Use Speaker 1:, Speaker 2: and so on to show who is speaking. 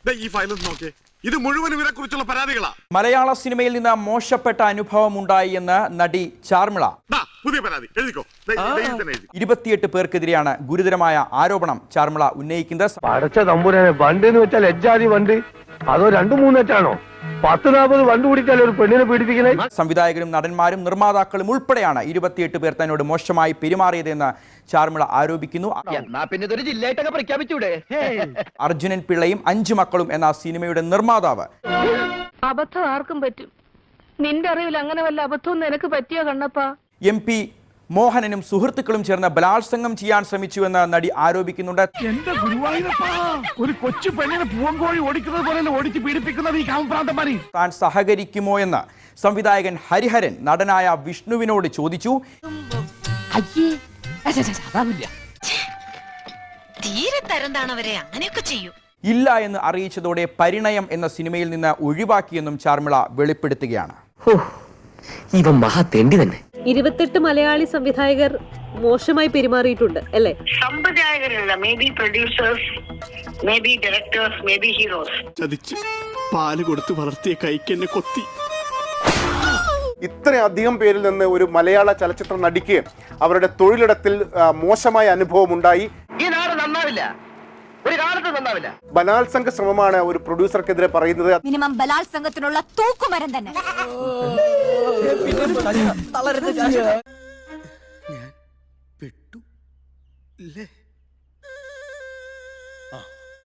Speaker 1: ഈ ഫയൽ നോക്കിയേ, ഇത് മുഴുവൻ ഇവരെ കുറിച്ചുള്ള പരാതികളാ.
Speaker 2: മലയാള സിനിമയിൽ നിന്ന് മോശപ്പെട്ട അനുഭവം ഉണ്ടായി എന്ന് നടി ചാർമിള.
Speaker 1: പുതിയ പരാതി എഴുതിക്കോ.
Speaker 2: 28 പേർക്കെതിരെയാണ് ഗുരുതരമായ ആരോപണം ചാർമിള ഉന്നയിക്കുന്നത്.
Speaker 3: വണ്ടെന്ന് വെച്ചാൽ എജ്ജാതി വണ്ട് അതോ 2-3 10-40 വണ്ട് കൂടിയിട്ടല്ലേ ഒരു പെണ്ണിനെ പീഡിപ്പിക്കുന്നത്?
Speaker 2: സംവിധായകരും നടന്മാരും നിർമ്മാതാക്കളും ഉൾപ്പെടെയാണ് 28 പേർ തന്നോട് മോശമായി പെരുമാറിയതെന്ന് ചാർമിള ആരോപിക്കുന്നു. അർജുനൻ പിള്ളയും 5 മക്കളും എന്ന സിനിമയുടെ നിർമ്മാതാവ്
Speaker 4: അബദ്ധം ആർക്കും പറ്റും. നിന്റെ അറിവിൽ അങ്ങനെ വല്ല അബദ്ധവും നിനക്ക് പറ്റിയോ കണ്ണപ്പാ?
Speaker 2: MP മോഹനനും സുഹൃത്തുക്കളും ചേർന്ന് ബലാത്സംഗം ചെയ്യാൻ ശ്രമിച്ചുവെന്ന് നടി ആരോപിക്കുന്നുണ്ട്.
Speaker 3: എന്റെ ഗുരുവായൂരപ്പാ, ഒരു കൊച്ചു പെണ്ണിനെ പൂവങ്കോഴി ഓടിക്കുന്നത് പോലെ ഓടിച്ച് പീഡിപ്പിക്കുന്നത് ഈ കാമപ്രാന്തന്മാരി.
Speaker 2: താൻ സഹകരിക്കുമോ എന്ന് സംവിധായകൻ ഹരിഹരൻ നടനായ വിഷ്ണുവിനോട് ചോദിച്ചു. ഇല്ല എന്ന് അറിയിച്ചതോടെ പരിണയം എന്ന സിനിമയിൽ നിന്ന് ഒഴിവാക്കിയെന്നും ചാർമിള വെളിപ്പെടുത്തുകയാണ്.
Speaker 5: ഇവൻ മഹാ തെണ്ടി തന്നെ.
Speaker 6: 28 മലയാളി സംവിധായകർ മോശമായി പെരുമാറിയിട്ടുണ്ട് അല്ലേ?
Speaker 7: സംവിധായകരല്ല, maybe producers, maybe directors, maybe heroes.
Speaker 1: ചതിച്ച് പാല് കൊടുത്ത് വളർത്തിയ കൈക്കെന്നെ കൊത്തി.
Speaker 8: ഇത്രയധികം പേരിൽ നിന്ന് ഒരു മലയാള ചലച്ചിത്ര നടിക്ക് അവരുടെ തൊഴിലിടത്തിൽ മോശമായ അനുഭവം ഉണ്ടായി.
Speaker 5: ഈ നാട് നന്നാവില്ല, ഒരു കാലത്ത് നന്നാവില്ല.
Speaker 8: ബലാത്സംഗ ശ്രമമാണ് ഒരു പ്രൊഡ്യൂസർക്കെതിരെ പറയുന്നത്.
Speaker 9: മിനിമം ബലാത്സംഗത്തിനുള്ള തൂക്കുമരം തന്നെ.
Speaker 1: ഞാൻ പെട്ടു.